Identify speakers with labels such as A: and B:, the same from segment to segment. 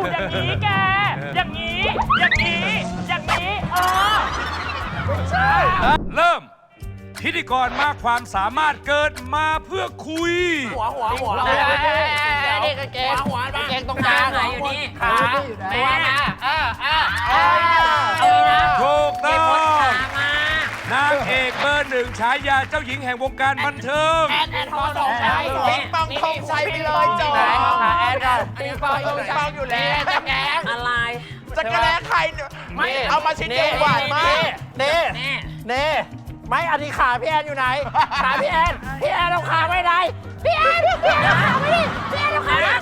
A: อยู่อย่างนี้แก อย่างนี้ อย่างนี้ อย่างนี้ ใช่
B: เริ่ม พิธีกรมากความสามารถเกิดมาเพื่อคุย
C: หัวนี่กางเกงหัวกางเกงตรงกลางไหนอยู่นี่ขาตัวนะ
B: ถูกต้อง
C: มาน
B: างเอกเบอร์หนึ่งฉายาเจ้าหญิงแห่งวงการบันเทิง
C: แอนทองสองชัยปิงปองทองชัยไปเลยจอแอนกันปิงปองทองชัยอยู่แล้วจะแกงอะไรจะแกงใครไม่เอามาชิ้นเดียวหวานมากเน่ไม่อันนี้ขาพี่แอนอยู่ไหนขาพี่แอนเอาขาไว้ไหนพี่แอนเอาขาไว้ดิพี่แอนเอาขานะ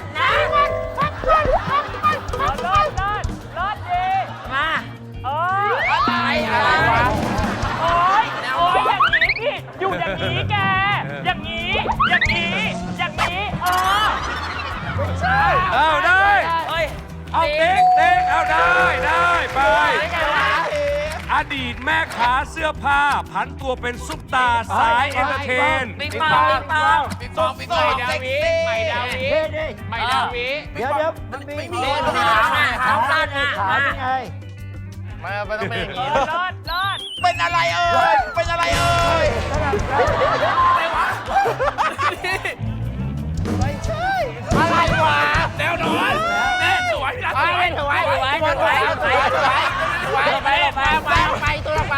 A: รอดดี
C: มาอะไรวะ
A: โอ้ยอย่างนี้พี่ อยู่อย่างนี้แก อย่างนี้ อย่างนี้ อย่างนี้ ใช่
B: เอาได้ เอาเต็งเอาได้ไป อดีตแม่ค้าเสื้อผ้าผันตัวเป็นซุปตาร์สายเอนเตอร์เทน
C: ปิงปองใหม่ดาวิ
D: เดี๋ยวมันมี
C: ขาสั้นนะ
D: ขาไง
C: ไม่ต้องเป็นอย่างนี้
A: รอด
C: เป็นอะไรเอ่ยอะไรวะแนวนอนแน่สวยนะสวยไปตัวละไป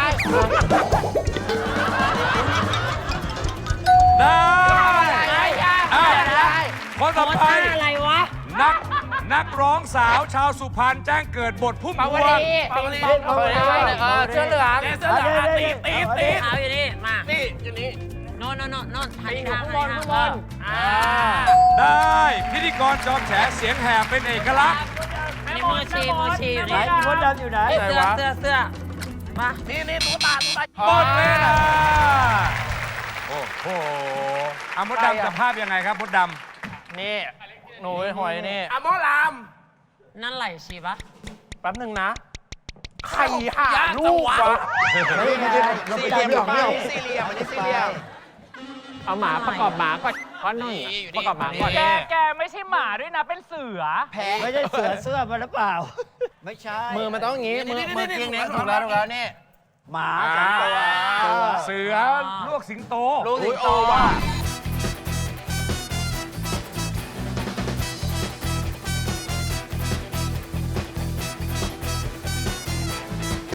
B: ได้คนต่อไป
C: อะไรวะ
B: นักร้องสาวชาวสุพรรณแจ้งเกิดบทพุ่มพวง
C: เสื้อเหลือง
D: ตี
C: เอาอยู่นี่มานี่อยู่นี่โน่นหันข้างบน
B: ได้พิธีกรจอมแฉเสียงแหบเป็นเอกลักษณ์
C: นี่มือชีอยู่
D: ไหน
C: นี่
D: มดดำอยู่ไหน
C: เสื้อมานี่ตุ๊กตา
B: หมดเวลาโอ้โหมดดำจะภาพยังไงครับมดดำ
E: นี่หนูหอยนี่
C: อะโมลามนั่นไหลชีปะ
E: แป๊บหนึ่งนะใครหาลูกวะ
D: ไม่ไงสี่เหลี่ยม
C: สี่เหลี่ยมอันนี้สี่เหลี่ยม
E: เอาหมาประกอบหมาก่อนก้อนหนึ่งประกอบหมาก่อน
A: แกไม่ใช่หมาด้วยนะ เป็นเสือ
D: ไม่ใช่เสือเสื้อมันหรือเปล่า ไม่ใช่
E: มือมันต้องอย่างงี้มือเพียงนี้
C: ถูกแล้วนี่
D: หมาสองตัว
B: เสือลวกสิงโต
E: ลูกสิงโตว่ะ